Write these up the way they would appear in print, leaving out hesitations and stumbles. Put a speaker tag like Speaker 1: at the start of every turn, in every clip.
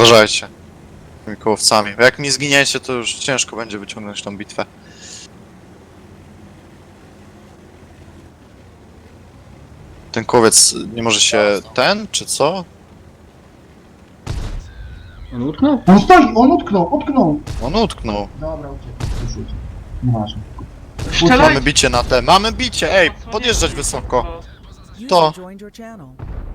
Speaker 1: Uważajcie. Tymi kołowcami. Jak mi zginiecie, to już ciężko będzie wyciągnąć tą bitwę. Ten kołowiec nie może się ten, czy co?
Speaker 2: On utknął?
Speaker 3: On stoi, on utknął!
Speaker 1: On utknął.
Speaker 3: Dobra, uciekł, już uciekł. Nieważne.
Speaker 4: Strzelaj!
Speaker 1: Mamy bicie na te, mamy bicie! Ej, podjeżdżać wysoko. To.
Speaker 5: User joined your channel.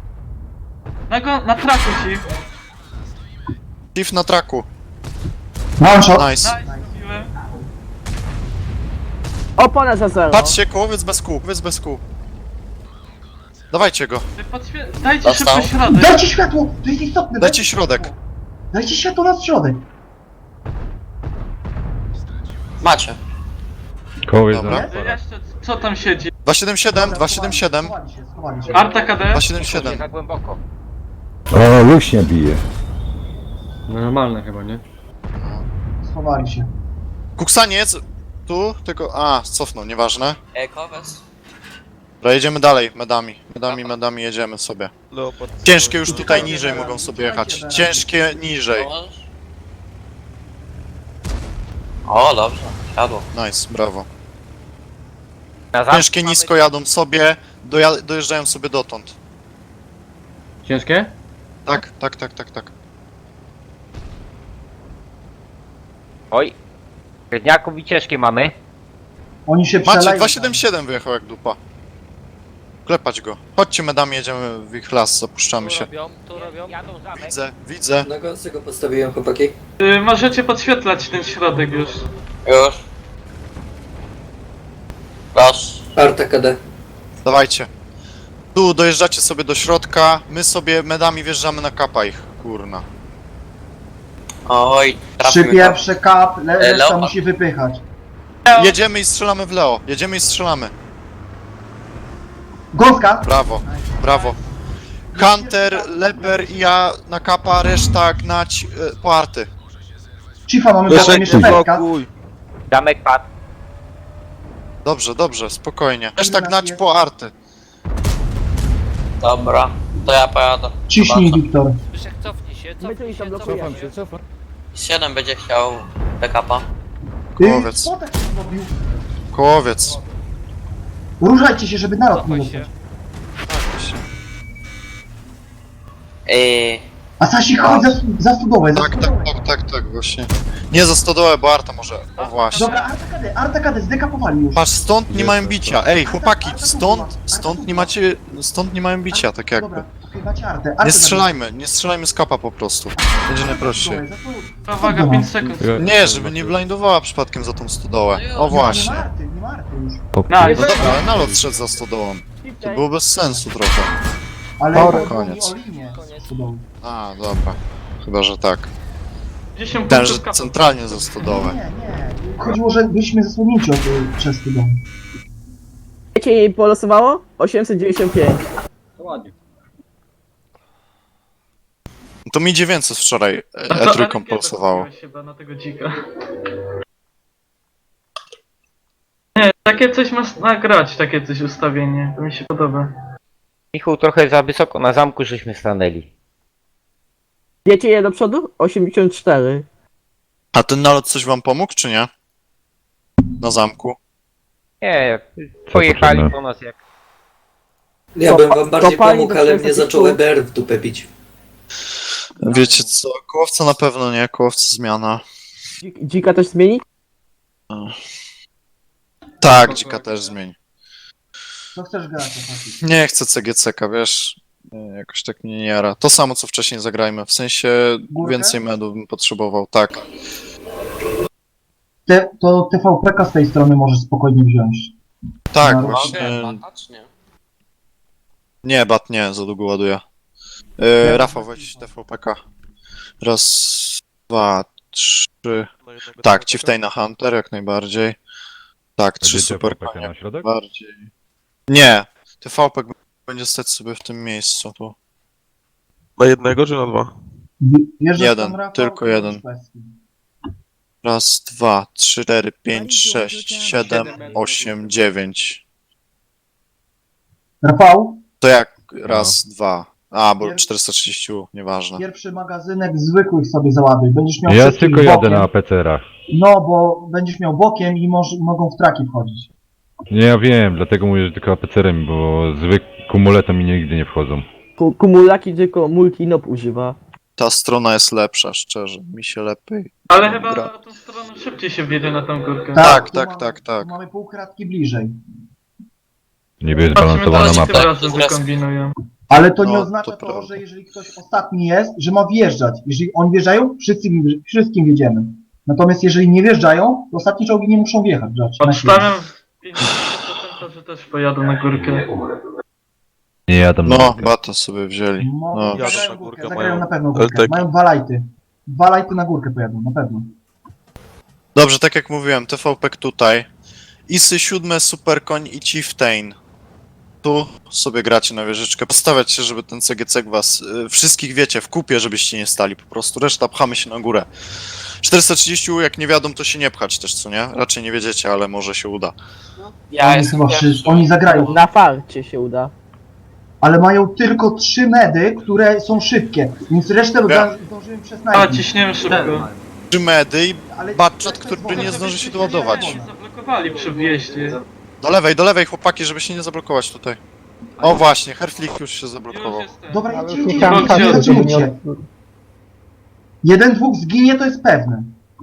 Speaker 4: Na traku ci.
Speaker 1: Chief na traku.
Speaker 3: One shot!
Speaker 1: Nice.
Speaker 4: Nice, zrobiłem.
Speaker 6: Opona za zero.
Speaker 1: Patrzcie, kołowiec bez kół, kołowiec bez kół. Dawajcie go.
Speaker 4: Dajcie szybko środek.
Speaker 3: Dajcie światło! To jest istotne!
Speaker 1: Dajcie środek.
Speaker 3: Dajcie światło na środek!
Speaker 7: Macie.
Speaker 8: Kołowiec
Speaker 1: Dobra.
Speaker 8: za
Speaker 4: Jeszcze, co tam siedzi?
Speaker 1: 277, 277,
Speaker 3: Schowali się.
Speaker 4: Arta KD?
Speaker 1: 277.
Speaker 7: Za głęboko.
Speaker 8: O, luśnie bije.
Speaker 2: No normalne chyba, nie?
Speaker 3: Schowali się.
Speaker 1: Kuksaniec, tu, tylko, cofnął, nieważne.
Speaker 7: Kowes.
Speaker 1: Dobra, jedziemy dalej, medami jedziemy sobie. Ciężkie już tutaj niżej mogą sobie jechać, ciężkie niżej.
Speaker 7: O, dobrze. Siadło.
Speaker 1: Nice, brawo.
Speaker 7: Na zamku
Speaker 1: Ciężkie nisko jadą sobie, dojeżdżają sobie dotąd.
Speaker 2: Ciężkie?
Speaker 1: Tak.
Speaker 9: Oj. Średniaków i ciężkie mamy.
Speaker 3: Oni się
Speaker 1: Macie,
Speaker 3: przeleją.
Speaker 1: 277 wyjechał jak dupa. Klepać go. Chodźcie medami, jedziemy w ich las, zapuszczamy się.
Speaker 7: Tu robią.
Speaker 9: Jadą zamek.
Speaker 1: Widzę.
Speaker 10: Na gąsce go postawiłem, chłopaki.
Speaker 4: Możecie podświetlać ten środek już.
Speaker 7: Już. Raz.
Speaker 10: Arta KD.
Speaker 1: Dawajcie. Tu dojeżdżacie sobie do środka, my sobie medami wjeżdżamy na kapa ich, kurna.
Speaker 7: Oj,
Speaker 3: Trzy
Speaker 7: trafimy go.
Speaker 3: pierwsze kap, reszta
Speaker 7: Leopard.
Speaker 3: musi wypychać.
Speaker 1: Jedziemy i strzelamy w Leo, jedziemy i strzelamy.
Speaker 3: Gąska!
Speaker 1: Brawo, brawo. Hunter, Leper i ja na kapa, reszta gnać po arty.
Speaker 3: Chiefa mamy potem jeszcze petka.
Speaker 9: Zamek padł.
Speaker 1: Dobrze, spokojnie. Reszta gnać po arty.
Speaker 7: Dobra. To ja pojadę.
Speaker 3: Ciśnij, Wiktor.
Speaker 7: Zbyszek, cofnij się,
Speaker 6: My tu ich tam blokujemy.
Speaker 7: 7 będzie chciał backupa.
Speaker 1: Kołowiec.
Speaker 3: Spotek zrobił.
Speaker 1: Kołowiec.
Speaker 3: Ruszajcie się, żeby naród nie dostać. Asasi, chodź za studowę, za studowę.
Speaker 1: Tak, właśnie. Nie za stodołę, bo arta może. O właśnie.
Speaker 3: Dobra, Arta KD, zdekapowali już.
Speaker 1: Patrz, stąd nie mają bicia. Ej, chłopaki, stąd nie mają bicia, tak jakby.
Speaker 3: Dobra, okej, macie Artę.
Speaker 1: Nie strzelajmy z kapa po prostu. Będzie najprościej.
Speaker 4: Uwaga, 5 sekund.
Speaker 1: Nie, żeby nie blindowała przypadkiem za tą stodołę. O właśnie.
Speaker 3: Nie ma Arty już.
Speaker 1: No
Speaker 4: Nice.
Speaker 1: dobra, ale nalot szedł za stodołą. To było bez sensu trochę.
Speaker 3: Ale
Speaker 1: koniec.
Speaker 3: o linię studowy.
Speaker 1: Dobra. Chyba, że tak.
Speaker 4: 10
Speaker 1: Ten, że
Speaker 4: punktów kapa.
Speaker 1: centralnie za stodołę.
Speaker 3: Nie. Chodziło, że byliśmy zasłonięci przez studowę.
Speaker 6: Wiecie, jej polosowało? 895.
Speaker 2: To ładnie.
Speaker 1: To mi 900 wczoraj
Speaker 4: A to
Speaker 1: E3
Speaker 4: Arygeda
Speaker 1: pulsowało.
Speaker 4: zrobiłeś chyba na tego dzika. Nie, takie coś masz nagrać, takie coś ustawienie. To mi się podoba.
Speaker 9: Michał, trochę za wysoko na zamku żeśmy stanęli.
Speaker 6: Wiecie je do przodu? 84.
Speaker 1: A ten nalot coś wam pomógł, czy nie? Na zamku.
Speaker 9: Nie, pojechali po nas jak...
Speaker 10: Ja bym wam bardziej
Speaker 6: kopalni
Speaker 10: pomógł,
Speaker 6: do
Speaker 10: ale
Speaker 6: 400
Speaker 10: mnie zaczął
Speaker 6: tytułów.
Speaker 10: EBR w dupę bić.
Speaker 1: Wiecie co, kołowca na pewno nie, kołowca zmiana.
Speaker 6: Dzika też zmieni?
Speaker 1: Tak, dzika też zmień.
Speaker 3: Co chcesz grać, Asasi?
Speaker 1: Nie chcę CGC-ka, wiesz? Jakoś tak mnie nie jara. To samo co wcześniej zagrajmy, w sensie
Speaker 3: Górkę?
Speaker 1: więcej medów bym potrzebował, tak.
Speaker 3: To TVP-ka z tej strony możesz spokojnie wziąć.
Speaker 1: Tak,
Speaker 3: No,
Speaker 1: właśnie.
Speaker 7: Czy nie?
Speaker 1: Nie, bat nie, za długo ładuje. Rafał, weź TVP-ka. Raz, dwa, trzy. Tak, Chieftaina Hunter jak najbardziej. Tak, 3 super
Speaker 8: na środek?
Speaker 1: bardziej. Nie, TVP będzie stać sobie w tym miejscu tu.
Speaker 11: Na jednego czy na dwa?
Speaker 3: Wjeżdżasz
Speaker 1: Jeden,
Speaker 3: tam, Rafał,
Speaker 1: tylko
Speaker 3: to
Speaker 1: jeden.
Speaker 3: jest kwestia.
Speaker 1: Raz, dwa, trzy, 4, 5, 6, 7, 8, 9.
Speaker 3: Rafał?
Speaker 1: To jak raz, dwa, A, bo 430, nieważne.
Speaker 3: Pierwszy magazynek zwykłych sobie załaduj. Będziesz miał
Speaker 8: Ja
Speaker 3: wszystkich
Speaker 8: tylko jadę
Speaker 3: bokiem.
Speaker 8: na APCR-ach.
Speaker 3: No, bo będziesz miał bokiem i mogą w traki wchodzić.
Speaker 8: Nie, ja wiem, dlatego mówię, że tylko APCR-em, bo kumuletem mi nigdy nie wchodzą.
Speaker 6: Kumulaki tylko multinop używa.
Speaker 1: Ta strona jest lepsza, szczerze. Mi się lepiej.
Speaker 4: Ale chyba
Speaker 1: gra.
Speaker 4: na tą stronę szybciej się wjedzie na tą górkę.
Speaker 1: Tak,
Speaker 3: tu
Speaker 1: tak,
Speaker 3: mamy,
Speaker 1: tak, tak.
Speaker 3: Tu mamy pół kratki bliżej.
Speaker 8: Niby jest
Speaker 4: Zobaczymy,
Speaker 8: zbalansowana
Speaker 4: teraz
Speaker 8: mapa.
Speaker 4: tym razem wykombinują.
Speaker 3: Ale to nie
Speaker 1: No,
Speaker 3: oznacza
Speaker 1: to
Speaker 3: to,
Speaker 1: prawda.
Speaker 3: że jeżeli ktoś ostatni jest, że ma wjeżdżać. Jeżeli oni wjeżdżają, wszystkim wjedziemy. Natomiast jeżeli nie wjeżdżają, to ostatnie czołgi nie muszą wjechać.
Speaker 4: Odstawiam 50%, że też pojadą na górkę.
Speaker 8: Nie jadę na
Speaker 1: No,
Speaker 8: górkę.
Speaker 1: bata sobie wzięli.
Speaker 3: No,
Speaker 1: No.
Speaker 11: Jadą
Speaker 3: zagrają
Speaker 11: na
Speaker 3: górkę,
Speaker 11: górkę,
Speaker 3: zagrają
Speaker 11: mają
Speaker 3: na pewno górkę.
Speaker 11: LTK.
Speaker 3: Mają 2 lajty. 2 lajty na górkę pojadą, na pewno.
Speaker 1: Dobrze, tak jak mówiłem, TVP tutaj. Isy 7, Superkoń i Chieftain. Tu sobie gracie na wieżyczkę. Postawiać się, żeby ten CGC was wszystkich wiecie, w kupie, żebyście nie stali po prostu. Reszta pchamy się na górę. 430, jak nie wiadomo, to się nie pchać też, co nie? Raczej nie wiedziecie, ale może się uda.
Speaker 7: Ja
Speaker 3: Oni
Speaker 7: jestem
Speaker 3: chyba
Speaker 7: pierwszy.
Speaker 3: wszyscy, oni zagrają.
Speaker 6: Na farcie się uda.
Speaker 3: Ale mają tylko 3 medy, które są szybkie. Więc resztę zdążyłem przez
Speaker 4: A,
Speaker 3: najpierw.
Speaker 4: ciśniemy szybko.
Speaker 1: 3 medy i
Speaker 3: Ale
Speaker 1: Batchat,
Speaker 3: reszta jest
Speaker 1: który nie
Speaker 3: wolna.
Speaker 1: zdąży się doładować.
Speaker 4: Oni zablokowali przy wjeździe.
Speaker 1: Do lewej chłopaki, żeby się nie zablokować tutaj. O właśnie, Herflik już się zablokował.
Speaker 4: Już jestem.
Speaker 3: Dobra,
Speaker 6: Ale
Speaker 3: jedźcie,
Speaker 6: już nie
Speaker 3: jedźcie,
Speaker 6: chciałem
Speaker 3: jedźcie,
Speaker 4: patrzeć,
Speaker 6: żeby
Speaker 3: zatrzymujcie.
Speaker 6: nie...
Speaker 3: 1-2 zginie, to jest pewne.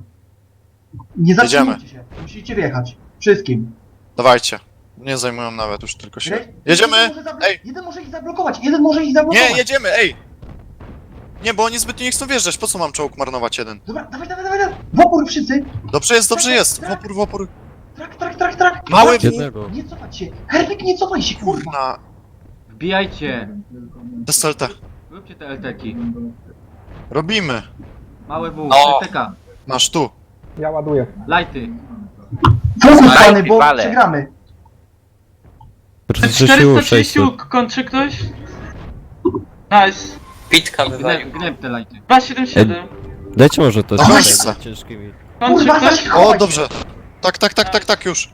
Speaker 3: Nie zatrzymujcie się. Musicie wjechać. Wszystkim.
Speaker 1: Dawajcie. Nie zajmują nawet już tylko się. Jedziemy! Ej!
Speaker 3: Jeden może ich zablokować, jeden może ich zablokować.
Speaker 1: Nie, jedziemy, ej! Nie, bo oni zbytnio nie chcą wjeżdżać. Po co mam czołg marnować jeden?
Speaker 3: Dobra, dawaj. W opór wszyscy.
Speaker 1: Dobrze jest. W opór.
Speaker 3: Trak.
Speaker 1: Mały
Speaker 3: Nie cofać się. Herwik, nie cofaj się, kurwa.
Speaker 1: na
Speaker 2: Wbijajcie.
Speaker 1: SLT.
Speaker 2: Róbcie te LTki.
Speaker 1: Robimy.
Speaker 2: Małe W,
Speaker 7: No.
Speaker 2: LTK.
Speaker 1: Masz tu.
Speaker 6: Ja ładuję.
Speaker 2: Lighty.
Speaker 3: Fokus,
Speaker 9: Daj,
Speaker 3: pany, bo
Speaker 9: wale.
Speaker 3: przegramy.
Speaker 4: 430 kończy ktoś? Nice.
Speaker 7: Pitka wywalił.
Speaker 2: Gneb te lighty.
Speaker 4: 277.
Speaker 5: Dajcie może to
Speaker 1: Dawaj.
Speaker 5: ciężkimi.
Speaker 4: Kończy
Speaker 3: Kurwa,
Speaker 4: ktoś?
Speaker 3: zaś
Speaker 1: O,
Speaker 3: chowaj
Speaker 1: dobrze.
Speaker 3: się.
Speaker 1: Tak, już.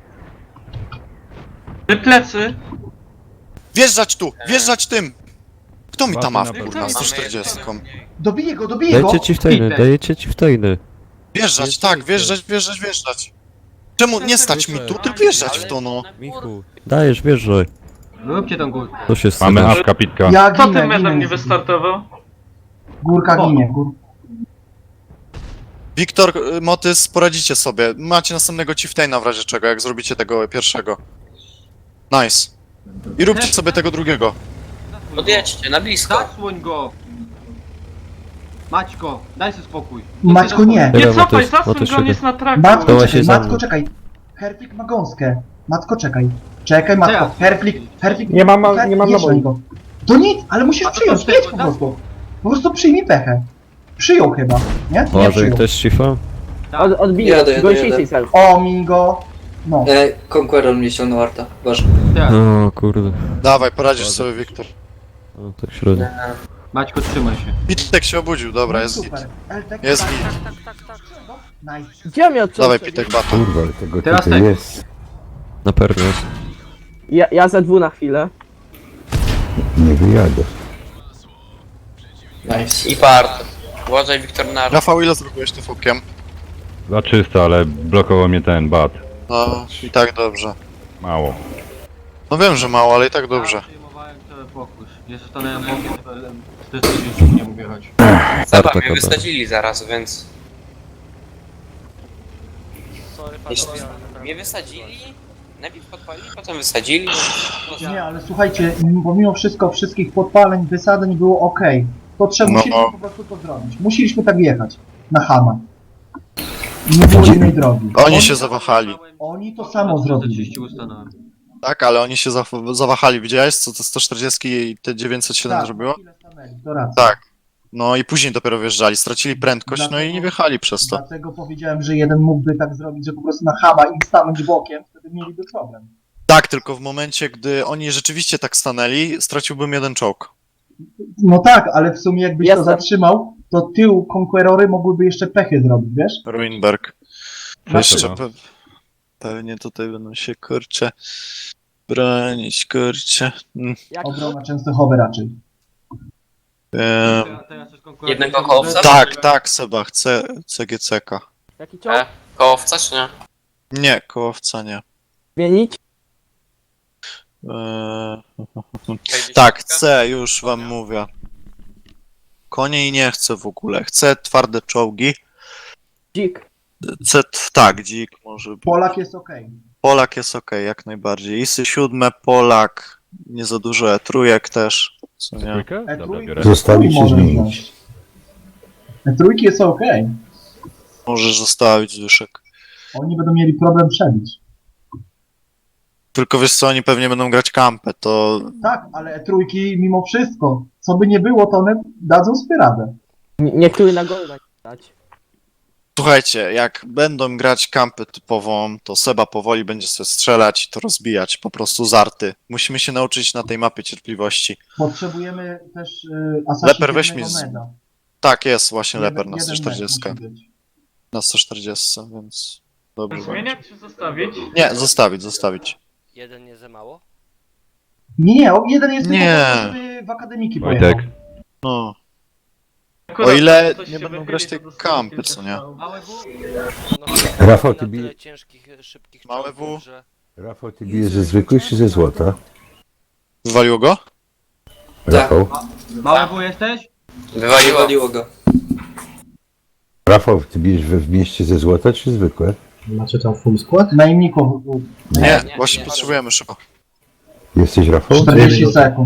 Speaker 4: Plecy.
Speaker 1: Wjeżdżać tu, wjeżdżać tym. Kto mi tam ma
Speaker 8: Ładny
Speaker 1: kurna,
Speaker 8: napęd.
Speaker 1: 140.
Speaker 3: Dobiję go.
Speaker 5: Dajcie chieftainy, dajecie chieftainy.
Speaker 1: Wjeżdżać, tak, wjeżdżać. Czemu nie stać mi tu, tylko wjeżdżać w to, no.
Speaker 5: Michu, dajesz, wjeżdżaj.
Speaker 2: Róbcie tą górkę.
Speaker 5: To się
Speaker 8: Mamy
Speaker 5: stało.
Speaker 8: awka pitka.
Speaker 3: Ja
Speaker 4: Kto tym
Speaker 3: ginę.
Speaker 4: medem nie wystartował?
Speaker 3: Górka ginie.
Speaker 1: Wiktor, Motys, poradzicie sobie. Macie następnego Chieftaina w razie czego, jak zrobicie tego pierwszego. Nice. I róbcie sobie tego drugiego.
Speaker 7: Podjedźcie, na blisko.
Speaker 2: Zasłoń go. Maćko, daj sobie spokój.
Speaker 3: Maćko, nie.
Speaker 4: Nie
Speaker 5: Dobra,
Speaker 4: cofaj,
Speaker 5: Mateusz,
Speaker 4: zasuń
Speaker 5: Mateusz,
Speaker 4: go, on jest na traku.
Speaker 3: Matko,
Speaker 5: Zdoła
Speaker 3: czekaj,
Speaker 5: się za
Speaker 3: Matko,
Speaker 5: mną.
Speaker 3: czekaj. Herflik ma gąskę. Matko, czekaj. Czekaj, Matko. Herflik.
Speaker 6: Nie mam
Speaker 3: jedź
Speaker 6: naboi.
Speaker 3: na niego. To nic, ale musisz
Speaker 2: A to
Speaker 3: przyjąć,
Speaker 2: to
Speaker 3: jedź
Speaker 2: tego,
Speaker 3: po prostu. Po prostu przyjmij pechę. Przyjął chyba, nie? Nie
Speaker 5: Może
Speaker 3: przyjął.
Speaker 5: ktoś chiefa?
Speaker 6: Odbiję.
Speaker 10: Jadę.
Speaker 6: Gąsiejcej self.
Speaker 3: O, Mingo. No.
Speaker 10: Conqueror mnie ściągnął Arta. Boże.
Speaker 2: Tak.
Speaker 5: O kurde.
Speaker 1: Dawaj, poradzisz sobie, Wiktor.
Speaker 5: O, tak średnio.
Speaker 2: Maćko, trzymaj się.
Speaker 1: Pitek się obudził, dobra,
Speaker 3: No
Speaker 1: jest git.
Speaker 3: super. LTK,
Speaker 1: Jest
Speaker 3: tak,
Speaker 1: git.
Speaker 3: Nice.
Speaker 6: Gdzie mnie odciął?
Speaker 1: Dawaj, Pitek, batu.
Speaker 8: Kurwa, ale tego
Speaker 2: Teraz
Speaker 8: tutaj
Speaker 2: tak.
Speaker 8: jest.
Speaker 5: Na pewno jest.
Speaker 6: Ja za dwu na chwilę.
Speaker 8: Nie wyjadę.
Speaker 10: Nice.
Speaker 7: I part. Uważaj, Wiktor, na...
Speaker 1: Rafał, ile zrobiłeś tym fokiem?
Speaker 8: Za czysto, ale blokował mnie ten bat.
Speaker 1: No, i tak dobrze.
Speaker 8: Mało.
Speaker 1: No wiem, że mało, ale i tak dobrze.
Speaker 2: Ja przyjmowałem cały fokus. Jest stanąłem bokiem, to 430 nie mógł jechać.
Speaker 7: Zobacz,
Speaker 5: Arta
Speaker 7: mnie
Speaker 5: KD.
Speaker 7: wysadzili zaraz, więc... Jeśli mnie wysadzili, najpierw podpalili, potem wysadzili.
Speaker 3: Nie, ale słuchajcie, pomimo wszystko, wszystkich podpaleń, wysadzeń było ok. To trzeba,
Speaker 1: No.
Speaker 3: musieliśmy po prostu to zrobić. Musieliśmy tak jechać. Na Hama. Nie było innej drogi.
Speaker 1: Oni się zawahali.
Speaker 3: Oni to samo zrobili.
Speaker 2: 430 ustanąłem.
Speaker 1: Tak, ale oni się zawahali. Widziałeś, co te 140 i te 907
Speaker 3: Tak,
Speaker 1: zrobiło?
Speaker 3: chwilę stanęli, to racja.
Speaker 1: Tak. No i później dopiero wjeżdżali, stracili prędkość, no i nie wjechali przez to.
Speaker 3: Dlatego powiedziałem, że jeden mógłby tak zrobić, że po prostu na Hama im stanąć bokiem, wtedy mieliby problem.
Speaker 1: Tak, tylko w momencie, gdy oni rzeczywiście tak stanęli, straciłbym jeden czołg.
Speaker 3: No tak, ale w sumie jakbyś to
Speaker 6: Jestem.
Speaker 3: zatrzymał, to tył Conquerory mogłyby jeszcze pechy zrobić, wiesz?
Speaker 1: Ruinberg.
Speaker 8: Dlaczego?
Speaker 1: Jeszcze pewnie tutaj będą się, kurczę, bronić, kurczę.
Speaker 3: Obrona Częstochowy raczej.
Speaker 2: Teraz już konkurencja
Speaker 7: Jednego
Speaker 2: może-
Speaker 7: kołowca?
Speaker 1: Tak, Seba, chcę CGC-ka.
Speaker 6: Jaki czołg?
Speaker 7: Kołowca czy nie?
Speaker 1: Nie, kołowca nie.
Speaker 6: Zmienić?
Speaker 1: Tak, chcę, już wam mówię. Koniej nie chcę w ogóle. Chcę twarde czołgi.
Speaker 6: Dzik.
Speaker 1: Tak, dzik może być.
Speaker 3: Polak jest okej.
Speaker 1: Polak jest okej, jak najbardziej. Isy 7, Polak. Nie za dużo trójek też. Co nie?
Speaker 8: Trójkę? Dobra, biorę.
Speaker 3: Zostawić się zmienić. Trójki jest okej.
Speaker 1: Możesz zostawić Zbyszek.
Speaker 3: Oni będą mieli problem przebić.
Speaker 1: Tylko wiesz co, oni pewnie będą grać kampę, to
Speaker 3: Tak, ale trójki mimo wszystko, co by nie było, to one dadzą sobie radę.
Speaker 6: Niektóry na golda dać.
Speaker 1: słuchajcie, jak będą grać kampę typową, to Seba powoli będzie sobie strzelać i to rozbijać, po prostu z arty. Musimy się nauczyć na tej mapie cierpliwości.
Speaker 3: Potrzebujemy też Assassin's
Speaker 1: Leper, weź mi
Speaker 3: meda.
Speaker 1: Tak, jest właśnie Leper na
Speaker 3: Jeden
Speaker 1: 140.
Speaker 3: med musi być.
Speaker 1: Na 140, więc dobrze będzie.
Speaker 4: Zmieniać czy zostawić?
Speaker 1: Nie, zostawić.
Speaker 9: Jeden nie za mało?
Speaker 3: Nie, jeden jest
Speaker 1: Nie.
Speaker 3: tylko po to, żeby w akademiki pojechał.
Speaker 8: Wojtek,
Speaker 1: No,
Speaker 4: Akurat
Speaker 1: o ile
Speaker 4: coś
Speaker 1: nie
Speaker 4: się
Speaker 1: będą
Speaker 4: wychyli,
Speaker 1: grać
Speaker 4: to
Speaker 1: tej
Speaker 4: dostaję
Speaker 1: kampy,
Speaker 4: kilka
Speaker 1: co nie?
Speaker 4: strzałów.
Speaker 2: Małe W?
Speaker 9: Rafał, ty bije... ciężkich, szybkich
Speaker 1: Małe
Speaker 9: czołgów,
Speaker 1: W.
Speaker 9: że...
Speaker 11: Rafał, ty bijesz ze zwykłych czy ze złota?
Speaker 1: Wywaliło go?
Speaker 11: Rafał?
Speaker 2: Małe W jesteś?
Speaker 7: Wywaliło.
Speaker 10: Wywaliło go.
Speaker 11: Rafał, ty bijesz w mieście ze złota czy zwykłe?
Speaker 3: Macie tam full skład? Najemników
Speaker 1: Nie,
Speaker 7: nie,
Speaker 1: właśnie
Speaker 7: nie.
Speaker 1: potrzebujemy szybko.
Speaker 11: Jesteś Rafał?
Speaker 3: 40 sekund.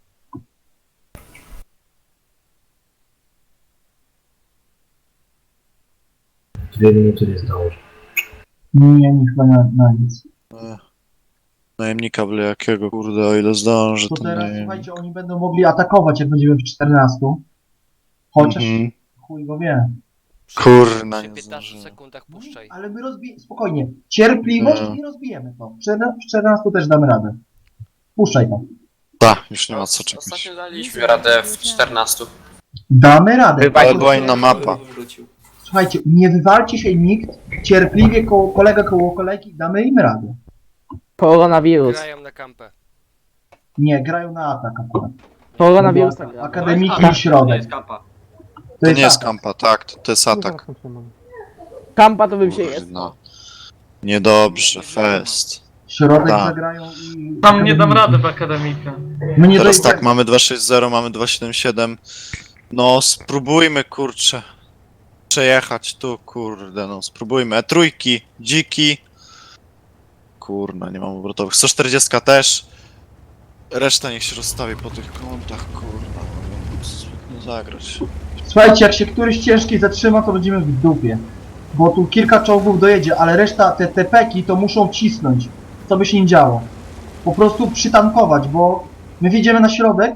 Speaker 3: Nie, nie chyba na nic.
Speaker 1: Najemnika byle jakiego, kurde, o ile zdąży
Speaker 3: To
Speaker 1: ten
Speaker 3: teraz,
Speaker 1: najemnik.
Speaker 3: słuchajcie, oni będą mogli atakować, jak będziemy w 14. Chociaż
Speaker 1: Mhm.
Speaker 3: chuj go wie.
Speaker 1: Kurna,
Speaker 9: Przy
Speaker 1: nie
Speaker 9: 15
Speaker 1: zdążyłem.
Speaker 9: sekundach puszczaj.
Speaker 3: Ale my spokojnie. Cierpliwość
Speaker 1: No.
Speaker 3: i rozbijemy to. W 14 też damy radę. Puszczaj to.
Speaker 1: Tak, już nie ma co czekać.
Speaker 7: Ostatnio daliśmy radę w 14.
Speaker 3: Damy radę.
Speaker 1: Ale była inna mapa.
Speaker 10: Wrócił.
Speaker 3: Słuchajcie, nie wywalcie się nikt. Cierpliwie koło kolegi, damy im radę.
Speaker 6: Koronawirus.
Speaker 9: Grają na kampę.
Speaker 3: Nie, grają na atak akurat.
Speaker 6: Koronawirusa gra.
Speaker 3: Akademiki i
Speaker 2: Nie
Speaker 3: środek.
Speaker 2: jest kampa.
Speaker 1: To nie jest
Speaker 3: atak.
Speaker 1: kampa, tak, to jest atak.
Speaker 6: Kampa to bym się jest.
Speaker 1: No. Niedobrze, fest.
Speaker 3: Środek
Speaker 1: Tak.
Speaker 3: zagrają i...
Speaker 4: Tam nie dam rady w akademika.
Speaker 3: My nie
Speaker 1: Teraz
Speaker 3: dojdziemy.
Speaker 1: tak, mamy 2.6.0, mamy 2.7.7. No, spróbujmy, kurczę, przejechać tu, kurde, no, spróbujmy. Trójki, dziki. Kurna, nie mam obrotowych. 140 też. Reszta niech się rozstawi po tych kątach, kurna. Nie zagrać.
Speaker 3: Słuchajcie, jak się któryś ciężki zatrzyma, to będziemy w dupie. Bo tu kilka czołgów dojedzie, ale reszta, te peki to muszą cisnąć. Co by się nie działo. Po prostu przytankować, bo my wjedziemy na środek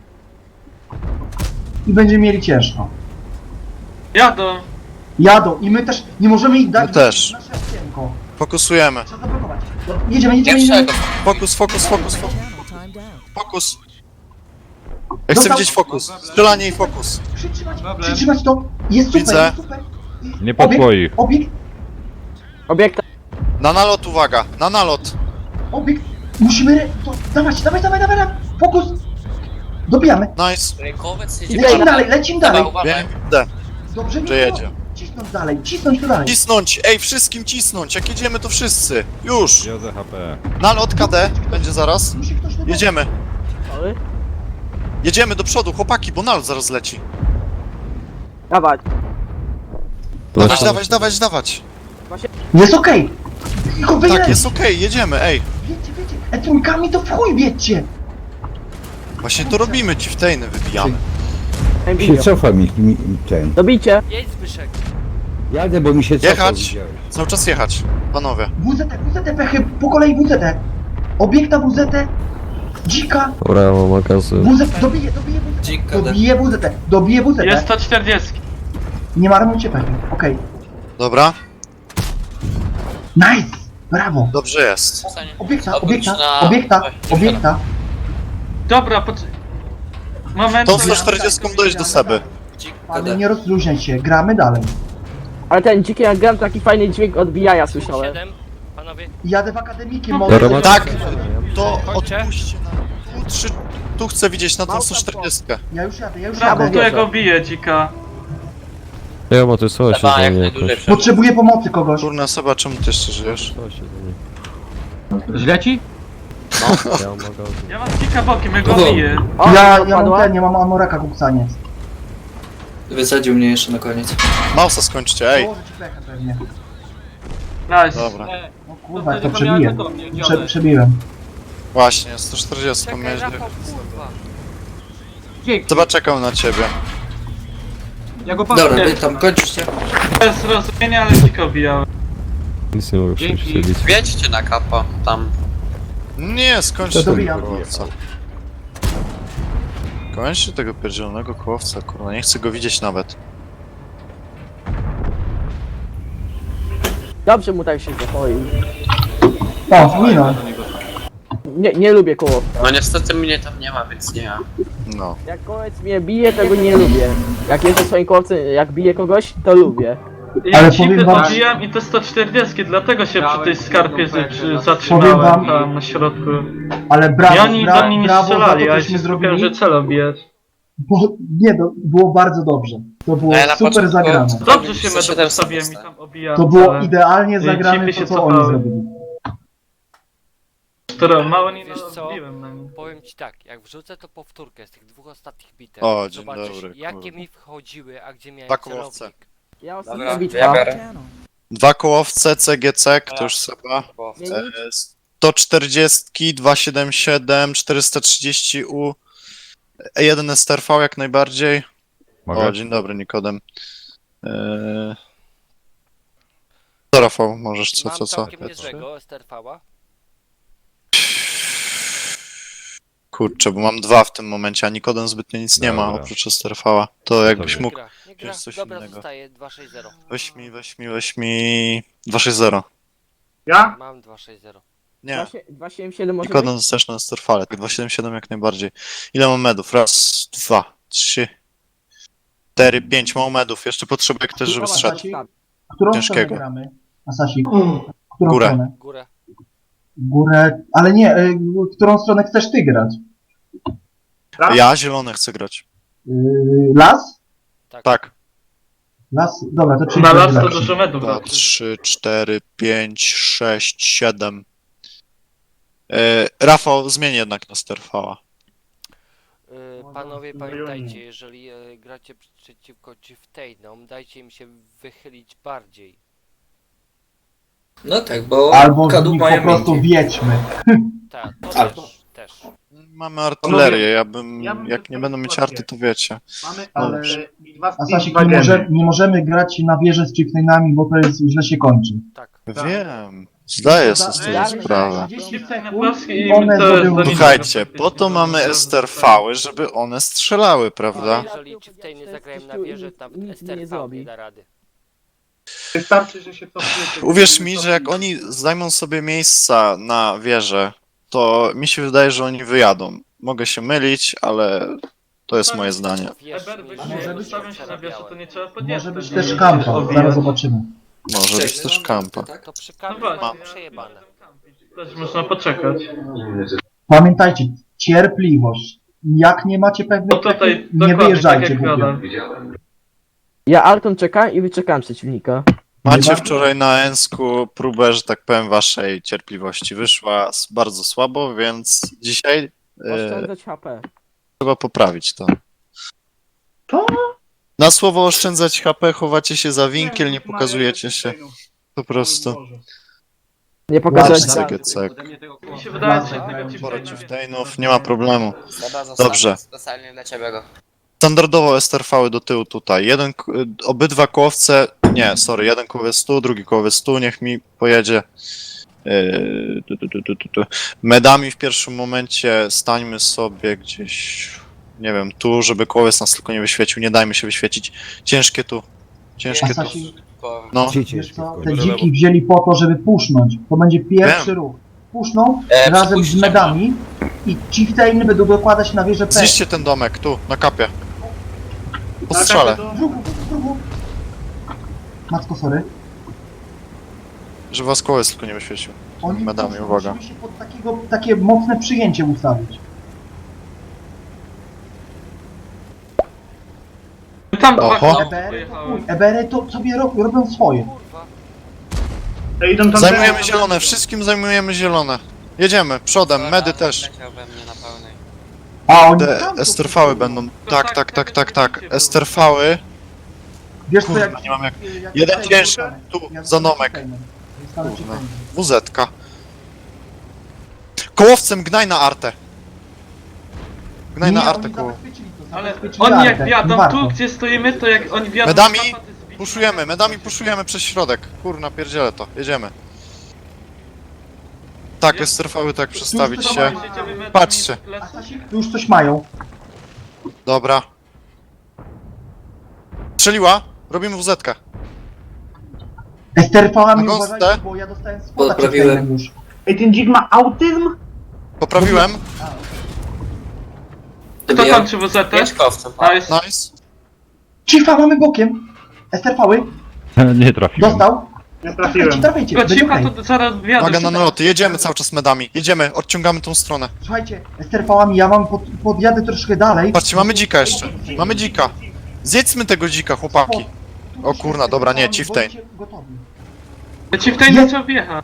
Speaker 3: i będziemy mieli ciężko.
Speaker 4: Jadą.
Speaker 3: Jadą i my też nie możemy ich dać
Speaker 1: My też.
Speaker 3: nasze okienko.
Speaker 1: Fokusujemy.
Speaker 3: Trzeba zablokować. Jedziemy.
Speaker 7: Pierwszego.
Speaker 1: Fokus. Fokus. Ja chcę
Speaker 3: Dostał.
Speaker 1: widzieć fokus. Strzelanie i fokus.
Speaker 3: Przytrzymać to. Jest super,
Speaker 1: Widzę.
Speaker 3: jest super.
Speaker 8: nie po twoich.
Speaker 6: Obiekta.
Speaker 1: Na nalot, uwaga, na nalot.
Speaker 3: Obiekt. Musimy... To, dawaj. Fokus. Dobijamy.
Speaker 1: Nice.
Speaker 7: Rękowiec
Speaker 3: I lecimy dalej, lecimy dalej.
Speaker 7: Uważaj.
Speaker 1: Wiem,
Speaker 3: Dobrze,
Speaker 1: że jedzie.
Speaker 3: Cisnąć tu dalej.
Speaker 1: Cisnąć, ej, wszystkim cisnąć, jak jedziemy to wszyscy. Już.
Speaker 8: Ja za HP.
Speaker 1: Nalot KD będzie zaraz.
Speaker 3: Musi ktoś tu
Speaker 1: Jedziemy.
Speaker 6: Sorry.
Speaker 1: Jedziemy do przodu, chłopaki, bo nalot zaraz leci.
Speaker 6: Dawać.
Speaker 1: Dawać.
Speaker 3: Jest okej. Tylko wyjedź.
Speaker 1: Tak, jest okej, jedziemy, ej.
Speaker 3: Wiecie. Trójkami to w chuj wiecie.
Speaker 1: Właśnie to robimy, Chieftainy wybijamy.
Speaker 6: Envidio.
Speaker 11: cofa mi ten.
Speaker 6: Dobicie.
Speaker 9: Jedź Zbyszek.
Speaker 11: Jadę, bo mi się
Speaker 1: Jechać. Cały czas jechać, panowie.
Speaker 3: WZT pechy, po kolei WZT. Obiekta WZT. Dzika.
Speaker 5: Dobra, mam magazyn.
Speaker 3: WZT, dobije WZT.
Speaker 10: Dzika,
Speaker 3: Dobije WZT.
Speaker 4: Jest 140.
Speaker 3: Nie marnujcie pechy, okej.
Speaker 1: Dobra,
Speaker 3: Nice. Brawo.
Speaker 1: dobrze jest.
Speaker 3: Obiekta.
Speaker 4: Dobra, moment.
Speaker 1: Tą 140 dojdź do Seby.
Speaker 3: Ale nie rozluźniaj się, gramy dalej.
Speaker 6: Ale ten dziki jak gram taki fajny dźwięk odbijania słyszałem.
Speaker 9: 7. Panowie.
Speaker 3: Jadę w akademiki,
Speaker 5: Dobra,
Speaker 3: mogę...
Speaker 1: Tak, to odpuśćcie na 3 tu chcę widzieć na tą
Speaker 6: Małpa
Speaker 1: 140.
Speaker 3: Ja już jadę, ja już
Speaker 4: Brawo,
Speaker 3: jadę.
Speaker 4: którego bije dzika.
Speaker 5: Ja ma to jest coś
Speaker 7: Trzeba
Speaker 5: za
Speaker 7: jak
Speaker 5: mnie
Speaker 7: najdłużej
Speaker 5: jakoś.
Speaker 7: przebyć.
Speaker 3: Potrzebuję pomocy kogoś.
Speaker 1: Kurna, Seba, czemu ty jeszcze żyjesz?
Speaker 5: Coś za mnie.
Speaker 2: Źle ci?
Speaker 5: Ja mogę.
Speaker 4: Ja mam dzika bokiem, ja go
Speaker 10: O.
Speaker 4: biję.
Speaker 6: O,
Speaker 3: Ja mam
Speaker 6: padła.
Speaker 3: ten, ja mam amoraka kuksaniec.
Speaker 10: Wysadził mnie jeszcze na koniec.
Speaker 1: Mausa skończcie, ej!
Speaker 3: Położę ci pechę pewnie.
Speaker 4: Nice.
Speaker 1: Dobra.
Speaker 3: No kurwa, jak to przebiję. Przebiłem.
Speaker 1: Właśnie, 140 pomierzy.
Speaker 2: Dzięki.
Speaker 1: Seba czekał na ciebie.
Speaker 2: Ja go
Speaker 10: Dobra,
Speaker 2: patrzę.
Speaker 10: wy tam kończcie.
Speaker 4: Bez rozumienia, ale dzika bijałem.
Speaker 5: Nic nie mogę
Speaker 2: Dzięki.
Speaker 5: przebić.
Speaker 7: Wiedźcie na kapo, tam.
Speaker 1: Nie, skończcie
Speaker 3: To
Speaker 1: tego
Speaker 3: dobijam.
Speaker 1: kołowca. Kończcie tego pierdzielonego kołowca, kurwa, nie chcę go widzieć nawet.
Speaker 6: Dobrze mu tak się zachoi.
Speaker 3: O, minął.
Speaker 6: Nie lubię koło.
Speaker 7: No niestety mnie tam nie ma, więc nie ma.
Speaker 1: No.
Speaker 6: Jak kołec mnie bije, tego nie lubię. Jak jestem w swoim kołowcu, jak bije kogoś, to lubię.
Speaker 4: Ja
Speaker 3: Ale
Speaker 4: dzipy
Speaker 3: powiem wam-
Speaker 4: odbijam i to 140, dlatego się przy tej skarpie
Speaker 3: Powiem
Speaker 4: zatrzymałem
Speaker 3: wam-
Speaker 4: tam na środku.
Speaker 3: Ale
Speaker 4: I
Speaker 3: brawo,
Speaker 4: oni do mnie nie
Speaker 3: brawo za to,
Speaker 4: strzelali, a ja
Speaker 3: cośmy
Speaker 4: się skupiałem,
Speaker 3: zrobili.
Speaker 4: że cel obijać.
Speaker 3: Bo, nie, no, było bardzo dobrze. To było
Speaker 7: A ja na
Speaker 3: super
Speaker 7: początku-
Speaker 3: zagrane.
Speaker 4: Dobrze się
Speaker 7: Co
Speaker 4: medu
Speaker 7: 700
Speaker 4: postawiłem i tam obijałem
Speaker 3: To było
Speaker 4: cele.
Speaker 3: idealnie
Speaker 4: I
Speaker 3: zagrane
Speaker 4: chipy
Speaker 3: to,
Speaker 4: się
Speaker 3: co oni
Speaker 4: cofały.
Speaker 3: zrobili.
Speaker 4: Które mało nie
Speaker 12: Wiesz co?
Speaker 4: odbiłem na nim.
Speaker 12: Powiem ci tak, jak wrzucę to powtórkę z tych dwóch ostatnich bitew,
Speaker 1: O, dzień
Speaker 12: zobaczysz
Speaker 1: dobry,
Speaker 12: jakie
Speaker 1: kurwa.
Speaker 12: mi wchodziły, a gdzie miałem
Speaker 1: Dwa kołowce.
Speaker 12: celownik.
Speaker 6: Ja
Speaker 7: Dobra,
Speaker 6: ostatnia
Speaker 7: ja
Speaker 6: bitwa.
Speaker 7: biorę.
Speaker 1: 2 kołowce, CGC, to już Seba.
Speaker 6: Nie, nic.
Speaker 1: 140, 277, 430U, 1 STRV jak najbardziej.
Speaker 8: Mogę?
Speaker 1: O, dzień dobry, Nikodem. Co, Rafał, możesz, co?
Speaker 12: Mam całkiem niezłego STRV-a.
Speaker 1: Kurczę, bo mam 2 w tym momencie, a Nikodem zbytnio nic nie ma
Speaker 8: Dobra.
Speaker 1: oprócz STRV-a. To jakbyś
Speaker 8: Dobra.
Speaker 1: mógł.
Speaker 12: Nie gra.
Speaker 1: Jest coś
Speaker 12: Dobra,
Speaker 1: innego.
Speaker 12: zostaje 260.
Speaker 1: Weź mi 260.
Speaker 12: Mam 260.
Speaker 1: Nie,
Speaker 6: 277 może
Speaker 1: Nikodem
Speaker 6: być?
Speaker 1: zostajesz na STRV-ale, tak 277 jak najbardziej. Ile mam medów? Raz, 2, 3, 4, 5 mam medów. Jeszcze potrzebuję ktoś, żeby
Speaker 6: Dobra,
Speaker 1: strzelił.
Speaker 6: tak, tak.
Speaker 3: Którą
Speaker 1: Ciężkiego.
Speaker 3: stronę gramy? Asasik. Którą
Speaker 1: Górę.
Speaker 3: stronę?
Speaker 12: Górę.
Speaker 3: Górę. Ale nie, którą stronę chcesz ty grać?
Speaker 1: Ja zielone chcę grać.
Speaker 3: Las?
Speaker 1: Tak.
Speaker 3: Las? Dobra, to czyli
Speaker 4: Na las to
Speaker 3: lepszy.
Speaker 4: dużo medów
Speaker 1: 2,
Speaker 4: raczej.
Speaker 1: 3, 4, 5, 6, 7. Rafał, zmień jednak na STRV-a.
Speaker 12: Panowie, pamiętajcie, jeżeli gracie przeciwko Chieftainom, dajcie im się wychylić bardziej.
Speaker 10: No tak, bo
Speaker 3: Albo z
Speaker 10: kadłub
Speaker 3: nich
Speaker 10: mają
Speaker 3: po prostu
Speaker 10: miękkie.
Speaker 3: wiedźmy.
Speaker 12: Tak, to
Speaker 10: Albo.
Speaker 12: też.
Speaker 1: Mamy artylerię,
Speaker 2: ja bym
Speaker 1: jak nie
Speaker 2: tylko
Speaker 1: będą mieć
Speaker 2: sytuację.
Speaker 1: arty, to wiecie.
Speaker 2: Mamy
Speaker 3: Ale-
Speaker 2: dwa
Speaker 3: Asasik, nie możemy grać na wieżę z chieftainami, bo to jest, źle się kończy.
Speaker 12: Tak.
Speaker 1: Wiem, zdaję sobie z tego
Speaker 6: Damy
Speaker 1: sprawę.
Speaker 3: 30
Speaker 4: Chipsy na
Speaker 3: sekund
Speaker 4: Polski
Speaker 3: i
Speaker 4: i
Speaker 3: one
Speaker 4: to jest
Speaker 3: zrobią...
Speaker 4: do nich-
Speaker 1: Słuchajcie, po to mamy STRV-y, żeby one strzelały,
Speaker 12: A
Speaker 1: prawda?
Speaker 12: jeżeli Chieftainy zagrają na wieży, to
Speaker 6: Nic mi nie
Speaker 12: STRV nie
Speaker 6: zrobi.
Speaker 12: da rady.
Speaker 2: Wystarczy, że się cofniecie.
Speaker 1: Uwierz mi, że jak oni zajmą sobie miejsca na wieżę, to mi się wydaje, że oni wyjadą. Mogę się mylić, ale to jest moje zdanie.
Speaker 12: Wierz
Speaker 4: Eber
Speaker 12: mi,
Speaker 4: by
Speaker 3: A może
Speaker 4: się
Speaker 3: być-
Speaker 4: ustawią się na wieżę, to nie trzeba podnieść.
Speaker 3: Może być też kampa, zaraz zobaczymy.
Speaker 1: Może być też kampa.
Speaker 10: Tak?
Speaker 12: to przy
Speaker 4: No
Speaker 12: kampie
Speaker 4: właśnie,
Speaker 12: mam
Speaker 4: ja
Speaker 12: przejebane.
Speaker 4: też można poczekać.
Speaker 3: Pamiętajcie, cierpliwość. Jak nie macie pewnych
Speaker 4: No tutaj
Speaker 3: technik, nie
Speaker 4: dokładnie tak
Speaker 3: wyjeżdżajcie
Speaker 4: jak
Speaker 3: głupio.
Speaker 4: gada.
Speaker 6: Ja Alton czekam i wyczekam przeciwnika.
Speaker 1: Macie wczoraj na Ensku próbę, że tak powiem, waszej cierpliwości. Wyszła bardzo słabo, więc dzisiaj
Speaker 6: Oszczędzać HP.
Speaker 1: trzeba poprawić to.
Speaker 3: Co?
Speaker 1: Na słowo oszczędzać HP chowacie się za winkiel, nie pokazujecie się. Po prostu.
Speaker 6: Nie
Speaker 1: Masz
Speaker 6: pokazać
Speaker 1: CGC.
Speaker 4: Mi się wydaje, że
Speaker 3: Dobra,
Speaker 4: tego
Speaker 1: Sporo
Speaker 4: Chieftaina
Speaker 1: chieftainów, nie ma problemu.
Speaker 7: Seba zostawiam
Speaker 1: Dobrze.
Speaker 7: specjalnie dla ciebie go.
Speaker 1: Standardowo STRV-y do tyłu tutaj. Obydwa kołowce, nie, sorry, jeden kołowiec tu, drugi kołowiec tu, niech mi pojedzie. Medami w pierwszym momencie stańmy sobie gdzieś, nie wiem, tu, żeby kołowiec nas tylko nie wyświecił, nie dajmy się wyświecić. Ciężkie tu, ciężkie tu.
Speaker 3: Asasi,
Speaker 1: No,
Speaker 11: Gdzie
Speaker 3: wiesz
Speaker 11: ciężkie
Speaker 3: co,
Speaker 11: w
Speaker 3: te
Speaker 11: końcu?
Speaker 3: dziki wzięli po to, żeby pusznąć. To będzie pierwszy ruch. Puszną razem z
Speaker 7: przepuśćcie
Speaker 3: medami i chieftainy będą dokładać na wieżę P.
Speaker 1: zniszcie ten domek, tu, na kapie. Po strzale,
Speaker 3: Drugu. Matko, sorry.
Speaker 1: żeby was kołowiec tylko nie wyświecił.
Speaker 3: Oni
Speaker 1: Medami,
Speaker 3: puszczą,
Speaker 1: uwaga.
Speaker 3: musimy się pod takie mocne przyjęcie ustawić.
Speaker 4: tam dwa
Speaker 1: Oho.
Speaker 4: koła
Speaker 3: Ebery to
Speaker 4: pojechały.
Speaker 3: chuj, Ebery to sobie robią swoje.
Speaker 12: Kurwa.
Speaker 2: Idą tam
Speaker 1: Zajmujemy zielone, wszystkim zajmujemy zielone. Jedziemy, przodem, medy też.
Speaker 7: Leciał we mnie na pełnej.
Speaker 3: A oni
Speaker 1: Te
Speaker 3: tam to
Speaker 1: esterfały
Speaker 3: kupują.
Speaker 1: będą. Tak. Esterfały.
Speaker 3: Wiesz co,
Speaker 1: Kurwa,
Speaker 3: jak...
Speaker 1: nie mam jak...
Speaker 3: jak
Speaker 1: Jeden
Speaker 3: tutaj
Speaker 1: ciężki,
Speaker 3: dostanę.
Speaker 1: tu,
Speaker 3: Ja
Speaker 1: za
Speaker 3: dostanę
Speaker 1: domek.
Speaker 3: chieftainem. Dostanę
Speaker 1: Kurwa.
Speaker 3: chieftainem.
Speaker 1: WZ-ka. Kołowcem gnaj na artę. Gnaj na
Speaker 3: Nie,
Speaker 1: artę
Speaker 3: oni
Speaker 1: koło.
Speaker 3: zabezpieczyli to,
Speaker 4: Ale
Speaker 3: zabezpieczyli
Speaker 4: oni jak
Speaker 3: artę, nie
Speaker 4: wjadą
Speaker 3: warto.
Speaker 4: tu, gdzie stoimy, to jak oni wjadą...
Speaker 1: Medami
Speaker 4: na paty zbici.
Speaker 1: puszujemy przez środek. Kurna, pierdzielę to. Tak, esterfały tak przestawić
Speaker 3: Tu
Speaker 1: się.
Speaker 4: Jedziemy medami
Speaker 1: Patrzcie.
Speaker 4: w lesu.
Speaker 3: Tu już coś mają.
Speaker 1: Dobra. Strzeliła? Robimy WZ-kę.
Speaker 3: Esterfałami
Speaker 1: Na gąsce?
Speaker 3: uważajcie, bo ja dostałem spota
Speaker 10: Podprawiłem.
Speaker 3: chieftainem już.
Speaker 2: Ej, ten dzik ma autyzm?
Speaker 1: Poprawiłem.
Speaker 4: Kto
Speaker 10: Dobijam.
Speaker 4: kończy WZ?
Speaker 7: Pieszkowcem.
Speaker 4: Nice.
Speaker 1: Nice.
Speaker 3: Chiefa mamy bokiem. Esterfały.
Speaker 8: Nie trafiłem.
Speaker 3: Dostał.
Speaker 2: Nie trafiłem.
Speaker 3: Traficie.
Speaker 4: Tylko
Speaker 3: Będzie
Speaker 4: cicha
Speaker 3: okej.
Speaker 4: to zaraz wjadą.
Speaker 1: Uwaga na naloty, jedziemy cały czas medami. Jedziemy, odciągamy tą stronę.
Speaker 3: Słuchajcie, Esterfałami ja mam podjadę troszkę dalej.
Speaker 1: Patrzcie, mamy dzika jeszcze. Mamy dzika. Zjedzmy tego dzika, chłopaki. O kurna, dobra, nie, chieftain.
Speaker 3: Gotowi.
Speaker 4: Chieftain nie trzeba wjechać.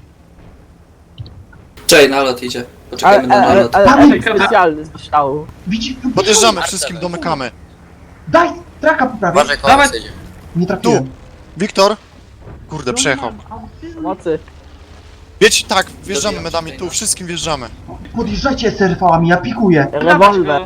Speaker 10: Czej, nalot idzie. Poczekajmy na nalot.
Speaker 6: Ale
Speaker 3: Mamy-
Speaker 6: efekt specjalny z strzału.
Speaker 3: Widzi?
Speaker 1: Podjeżdżamy, wszystkim domykamy.
Speaker 3: Daj! Traka poprawię.
Speaker 7: Uważaj,
Speaker 4: Dawaj.
Speaker 7: koło idzie.
Speaker 3: Nie trafiłem.
Speaker 1: Wiktor. Kurde, przejechał.
Speaker 6: Mocy.
Speaker 1: Wiecie, tak, wjeżdżamy
Speaker 10: Dobijam
Speaker 1: medami, tu,
Speaker 10: chieftaina.
Speaker 1: wszystkim wjeżdżamy.
Speaker 3: Podjeżdżajcie Esterfałami, ja pikuję.
Speaker 6: Rewolwer.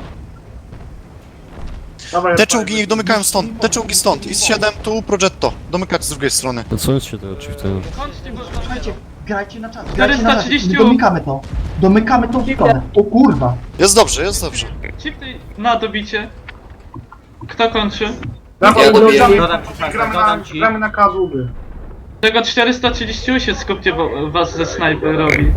Speaker 1: Te czołgi niech domykają stąd, te czołgi stąd. IS-7 tu, Progetto. Domykać z drugiej strony.
Speaker 5: To co się tego chieftaina?
Speaker 4: Kończcie go.
Speaker 3: Słuchajcie, grajcie na czas. Grajcie na czas.
Speaker 4: 430.
Speaker 3: Domykamy to. Domykamy tą stronę. O kurwa.
Speaker 1: Jest dobrze, jest dobrze.
Speaker 4: Chieftain na dobicie. Kto kończy?
Speaker 10: Ja dobijam.
Speaker 2: Gramy na kazuby.
Speaker 4: Tego 430 się skupcie, bo was ze snajperowi.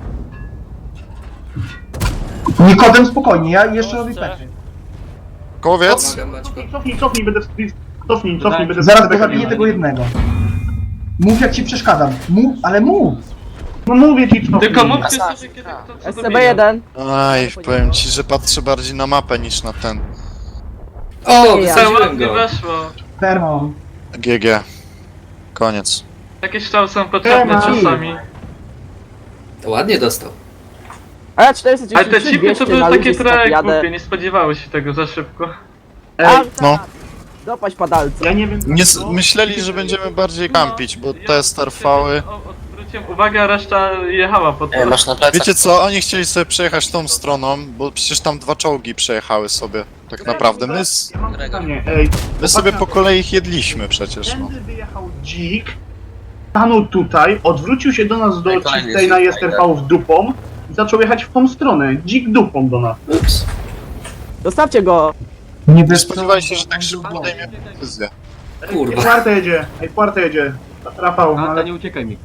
Speaker 3: Nikodem spokojnie, ja jeszcze robię pety.
Speaker 1: Kołowiec.
Speaker 10: Pomagam, Maćko.
Speaker 2: Cofnij, będę cofnij, będę
Speaker 3: Zaraz go zabiję tego jednego. Mów jak ci przeszkadzam. Mów, ale mów.
Speaker 2: No mówię ci, cofnij.
Speaker 4: Tylko mówcie sobie kiedy kto co dobija.
Speaker 6: SCB-1.
Speaker 1: Aj, powiem ci, że patrzę bardziej na mapę niż na ten.
Speaker 10: O,
Speaker 4: To
Speaker 10: wysadziłem
Speaker 4: ładnie
Speaker 10: go.
Speaker 4: weszło.
Speaker 3: Perma mam.
Speaker 1: GG. Koniec.
Speaker 4: Takie strzały są potrzebne czasami.
Speaker 10: To ładnie dostał.
Speaker 6: A ja
Speaker 4: Ale
Speaker 6: 493,
Speaker 4: te chipy
Speaker 6: 200
Speaker 4: to były
Speaker 6: na
Speaker 4: takie
Speaker 6: luzie
Speaker 4: trochę
Speaker 6: jadę.
Speaker 4: głupie, nie spodziewały się tego za szybko.
Speaker 1: No.
Speaker 6: Dopaść padalca.
Speaker 2: Ja nie wiem...
Speaker 1: Nie myśleli, że będziemy bardziej kampić, bo te starfały...
Speaker 4: Odwróciłem uwagę, a reszta jechała po to.
Speaker 7: Masz na plecach.
Speaker 1: Wiecie co, oni chcieli sobie przejechać tą stroną, bo przecież tam dwa czołgi przejechały sobie. Tak naprawdę.
Speaker 2: Ja mam pytanie, ej.
Speaker 1: My sobie po kolei ich jedliśmy przecież, no.
Speaker 2: Tędy wyjechał dzik, stanął tutaj, odwrócił się do nas do
Speaker 7: Ej, kolejny
Speaker 2: Chieftaina i
Speaker 7: jest
Speaker 2: Esterfałów dupą i zaczął jechać w tą stronę. Dzik dupą do nas.
Speaker 10: Ups.
Speaker 6: Zostawcie go.
Speaker 3: Nie
Speaker 1: Nie spodziewali się, że tak szybko podejmie decyzję.
Speaker 10: Kurwa.
Speaker 2: Puerta jedzie. Rafał, no ale
Speaker 5: nie uciekaj mi.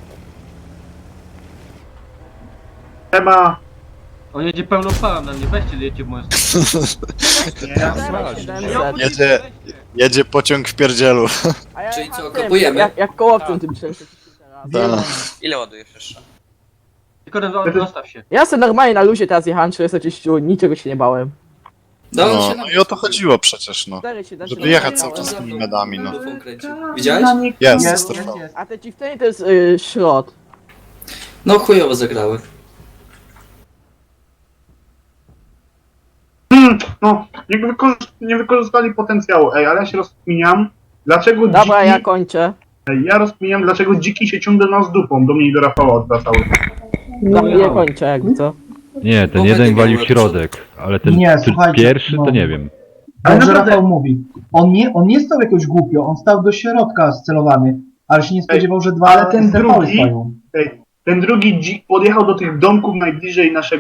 Speaker 2: trzeba...
Speaker 5: On jedzie pełną parą na mnie, weźcie lecie w moją
Speaker 1: Jedzie pociąg w pierdzielu.
Speaker 6: A ja
Speaker 10: Czyli
Speaker 6: jechałem
Speaker 10: co,
Speaker 6: tym,
Speaker 10: kapujemy?
Speaker 6: Jak kołowcem tym 400.
Speaker 7: Ile ładujesz jeszcze?
Speaker 5: Tylko zostaw się.
Speaker 6: Ja sobie normalnie na luzie teraz jechałem 430, niczego się nie bałem.
Speaker 1: No, no i o to chodziło przecież, no.
Speaker 6: 4,7
Speaker 1: Żeby jechać cały czas tymi medami, no.
Speaker 10: Dupą kręci. Widziałeś?
Speaker 1: Jest,
Speaker 3: Jest,
Speaker 1: Esterfał.
Speaker 3: jest.
Speaker 6: A te chieftainy to jest szrot.
Speaker 10: No chujowo zagrały.
Speaker 2: No, nie wykorzystali potencjału, ej, ale ja się rozkminiam, dlaczego
Speaker 6: Dobra,
Speaker 2: dziki...
Speaker 6: ja kończę.
Speaker 2: Ej, ja rozkminiam, dlaczego dziki się ciągle do nas dupą, do mnie i do Rafała odwracały.
Speaker 6: No, ja kończę, jakby co.
Speaker 8: Nie, ten
Speaker 10: Bo
Speaker 8: jeden
Speaker 10: będzie
Speaker 8: walił
Speaker 10: miał
Speaker 8: środek, ale ten
Speaker 3: Nie,
Speaker 8: ten
Speaker 3: słuchajcie,
Speaker 8: pierwszy
Speaker 3: no.
Speaker 8: to nie wiem.
Speaker 2: Ale
Speaker 3: Dobrze
Speaker 2: naprawdę-
Speaker 3: Rafał mówi. On nie stał jakoś głupio, on stał do środka scelowany. Ale się nie spodziewał, że dwa
Speaker 2: ale ten
Speaker 3: Esterfały
Speaker 2: drugi-
Speaker 3: stoją.
Speaker 2: Ten drugi dzik podjechał do tych domków najbliżej naszego